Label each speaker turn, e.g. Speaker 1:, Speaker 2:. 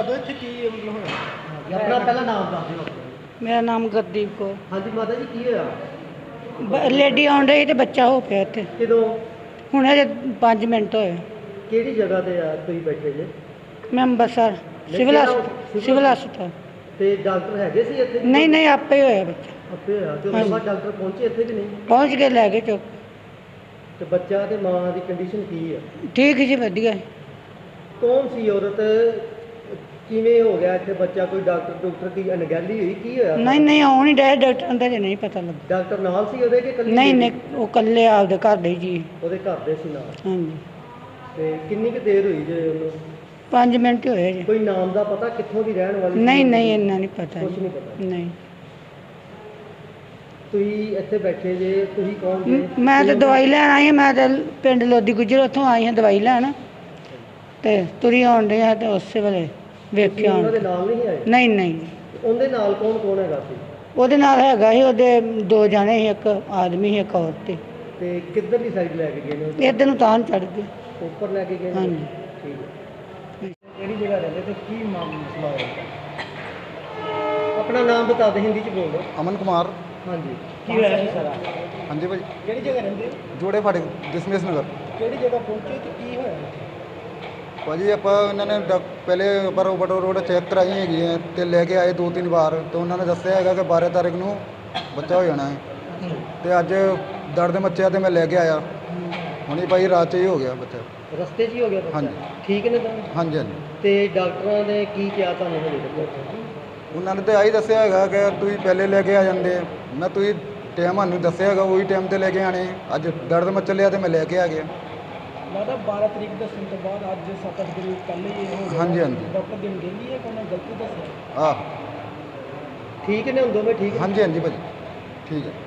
Speaker 1: ਦਿਓ ਇੱਥੇ ਕੀ ਮਤਲਬ ਹੋਇਆ।
Speaker 2: ਆਪਣਾ ਪਹਿਲਾਂ ਨਾਮ ਦੱਸ ਦਿਓ।
Speaker 3: ਮੇਰਾ ਨਾਮ ਗੁਰਦੀਪ ਕੌਰ।
Speaker 2: ਹਾਂਜੀ ਮਾਤਾ ਜੀ ਕੀ ਹੋਇਆ?
Speaker 3: ਲੇਡੀ ਆਉਣ ਰਹੀ ਤੇ ਬੱਚਾ ਹੋ ਪਿਆ ਇੱਥੇ।
Speaker 2: ਕਿਦੋਂ?
Speaker 3: ਹੁਣ ਅਜੇ 5 ਮਿੰਟ ਹੋਏ।
Speaker 2: ਕਿਹੜੀ ਜਗ੍ਹਾ ਤੇ ਆ ਤੁਸੀਂ ਬੈਠੇ ਜੇ?
Speaker 3: ਮੈਂ ਅੰਬਰਸਰ ਸਿਵਲ ਹਸਪਤਾਲ।
Speaker 2: ਤੇ ਡਾਕਟਰ ਹੈਗੇ ਸੀ ਇੱਥੇ?
Speaker 3: ਨਹੀਂ ਨਹੀਂ, ਆਪੇ ਹੀ ਹੋਇਆ ਬੱਚਾ।
Speaker 2: ਆਪੇ ਹੋਇਆ ਤੇ ਉਸ ਬਾਅਦ ਡਾਕਟਰ ਪਹੁੰਚੇ ਇੱਥੇ ਕਿ ਨਹੀਂ?
Speaker 3: ਪਹੁੰਚ ਕੇ ਲੈ ਕੇ ਚੁੱਕ।
Speaker 2: ਤੇ ਬੱਚਾ ਤੇ ਮਾਂ ਦੀ ਕੰਡੀਸ਼ਨ ਕੀ ਆ?
Speaker 3: ਠੀਕ ਜੀ, ਵਧੀਆ।
Speaker 2: ਕੌਣ ਸੀ ਔਰਤ? ਕਿਵੇਂ ਹੋ ਗਿਆ ਇੱਥੇ ਬੱਚਾ? ਕੋਈ ਡਾਕਟਰ ਦੀ ਅਣਗਹਿਲੀ ਹੋਈ? ਕੀ ਹੋਇਆ?
Speaker 3: ਨਹੀਂ ਨਹੀਂ, ਆਉਣ ਹੀ ਡਿਆ ਡਾਕਟਰਾਂ ਦਾ ਜੇ ਨਹੀਂ ਪਤਾ ਲੱਗਾ।
Speaker 2: ਡਾਕਟਰ ਨਾਲ ਸੀ ਉਹਦੇ ਕਿ ਇਕੱਲੀ?
Speaker 3: ਨਹੀਂ ਨਹੀਂ, ਉਹ ਇਕੱਲੇ ਆਪਦੇ ਘਰ ਦੇ ਜੀ।
Speaker 2: ਉਹਦੇ ਘਰ ਦੇ ਸੀ ਨਾਲ?
Speaker 3: ਹਾਂਜੀ।
Speaker 2: ਤੇ ਕਿੰਨੀ ਕੁ ਦੇਰ ਹੋਈ ਜੇ ਉਹਨੂੰ?
Speaker 3: 5 ਮਿੰਟ ਹੋਏ ਜੀ।
Speaker 2: ਕੋਈ ਨਾਮ ਦਾ ਪਤਾ ਕਿੱਥੋਂ ਦੀ ਰਹਿਣ ਵਾਲੀ?
Speaker 3: ਨਹੀਂ ਨਹੀਂ, ਇੰਨਾ ਨਹੀਂ ਪਤਾ।
Speaker 2: ਕੁਛ ਨਹੀਂ ਪਤਾ?
Speaker 3: ਨਹੀਂ।
Speaker 2: ਤੁਸੀਂ ਇੱਥੇ ਬੈਠੇ ਜੇ, ਤੁਸੀਂ ਕੌਣ ਜੇ?
Speaker 3: ਮੈਂ ਤਾਂ ਦਵਾਈ ਲੈਣ ਆਈ ਹਾਂ। ਮੈਂ ਤਾਂ ਪਿੰਡ ਲੋਦੀ ਗੁਜਰ ਉੱਥੋਂ ਆਈ ਹਾਂ ਦਵਾਈ ਲੈਣ, ਤੇ ਤੁਰੀ ਆਉਣ ਡਈ ਹਾਂ ਤੇ ਉਸੇ ਵੇਲੇ ਵੇਖਿਆ।
Speaker 2: ਉਹਨਾਂ ਦੇ ਨਾਲ ਨਹੀਂ ਆਏ?
Speaker 3: ਨਹੀਂ ਨਹੀਂ।
Speaker 2: ਉਹਦੇ ਨਾਲ ਕੌਣ ਕੌਣ ਹੈਗਾ ਸੀ?
Speaker 3: ਉਹਦੇ ਨਾਲ ਹੈਗਾ ਸੀ, ਉਹਦੇ 2 ਜਾਣੇ ਸੀ, ਇੱਕ ਆਦਮੀ ਸੀ ਇੱਕ ਔਰਤ ਸੀ।
Speaker 2: ਤੇ ਕਿੱਧਰਲੀ ਸਾਈਡ ਲੈ ਕੇ ਗਏ ਨੇ ਉਹ?
Speaker 3: ਇੱਧਰ ਨੂੰ ਤਾਂ ਚੜ੍ਹ ਗਏ।
Speaker 2: ਉੱਪਰ ਲੈ ਕੇ ਗਏ ਨੇ?
Speaker 3: ਹਾਂਜੀ।
Speaker 2: ਠੀਕ ਹੈ। ਕਿਹੜੀ ਜਗ੍ਹਾ ਰਹਿੰਦੇ ਤੇ ਕੀ ਮਸਲਾ ਹੋਇਆ? ਆਪਣਾ ਨਾਮ ਬਤਾ ਦੇ, ਹਿੰਦੀ ਚ ਬੋਲੋ।
Speaker 4: ਅਮਨ ਕੁਮਾਰ।
Speaker 2: ਹਾਂਜੀ। ਕੀ ਹੋਇਆ ਸੀ ਸਾਰਾ?
Speaker 4: ਹਾਂਜੀ ਭਾਈ,
Speaker 1: ਕਿਹੜੀ ਜਗ੍ਹਾ ਰਹਿੰਦੇ?
Speaker 4: ਜੋੜੇ ਫਾਟਕ ਦਸ਼ਮੇਸ਼ ਨਗਰ।
Speaker 1: ਕਿਹੜੀ ਜਗ੍ਹਾ ਪਹੁੰਚੇ ਤੇ ਕੀ ਹੋਇਆ?
Speaker 4: ਭਾਜੀ ਆਪਾਂ ਇਹਨਾਂ ਨੇ ਪਹਿਲੇ ਪਰ ਬਟੋ ਰੋਡ ਚੈੱਕ ਕਰਾਈ ਹੈਗੀ ਹੈ ਤੇ ਲੈ ਕੇ ਆਏ 2-3 ਵਾਰ, ਤੇ ਉਹਨਾਂ ਨੇ ਦੱਸਿਆ ਹੈਗਾ ਕਿ 12 ਤਾਰੀਖ ਨੂੰ ਬੱਚਾ ਹੋ ਜਾਣਾ ਹੈ। ਤੇ ਅੱਜ ਦਰਦ ਮੱਚਿਆ ਤੇ ਮੈਂ ਲੈ ਕੇ ਆਇਆ। ਹੁਣੀ ਭਾਈ ਰਾਤ 'ਚ ਹੀ ਹੋ ਗਿਆ ਬੱਚਾ।
Speaker 2: ਰਸਤੇ 'ਚ ਹੀ ਹੋ ਗਿਆ ਬੱਚਾ?
Speaker 4: ਹਾਂਜੀ।
Speaker 2: ਠੀਕ ਨੇ ਤਾਂ?
Speaker 4: ਹਾਂਜੀ ਹਾਂਜੀ।
Speaker 2: ਤੇ ਡਾਕਟਰਾਂ ਨੇ ਕੀ ਕਿਹਾ ਤੁਹਾਨੂੰ ਹਲੇ ਤੱਕ?
Speaker 4: ਉਹਨਾਂ ਨੇ ਤਾਂ ਆਹੀ ਦੱਸਿਆ ਹੈਗਾ ਕਿ ਤੁਸੀਂ ਪਹਿਲੇ ਲੈ ਕੇ ਆ ਜਾਂਦੇ। ਮੈਂ ਤੁਸੀਂ ਟਾਈਮ ਸਾਨੂੰ ਦੱਸਿਆ ਹੈਗਾ, ਉਹੀ ਟਾਈਮ 'ਤੇ ਲੈ ਕੇ ਆਣੇ। ਅੱਜ ਦਰਦ ਮੱਚ ਲਿਆ ਤੇ ਮੈਂ ਲੈ ਕੇ ਆ ਗਿਆ।
Speaker 1: ਲੱਗਦਾ 12 ਤਰੀਕ ਦੱਸਣ ਤੋਂ ਬਾਅਦ ਅੱਜ 7-8 ਦਿਨ ਪਹਿਲੇ ਹੀ ਇਹ ਹੋ ਗਿਆ।
Speaker 4: ਹਾਂਜੀ ਹਾਂਜੀ।
Speaker 1: ਡਾਕਟਰ ਦੀ ਅਣਗਹਿਲੀ ਹੈ ਕਿ ਉਹਨੇ ਗਲਤੀ ਦੱਸਿਆ?
Speaker 4: ਆਹ
Speaker 2: ਠੀਕ ਨੇ ਹੁਣ ਦੋਵੇਂ? ਠੀਕ?
Speaker 4: ਹਾਂਜੀ ਹਾਂਜੀ ਭਾਜੀ, ਠੀਕ ਹੈ।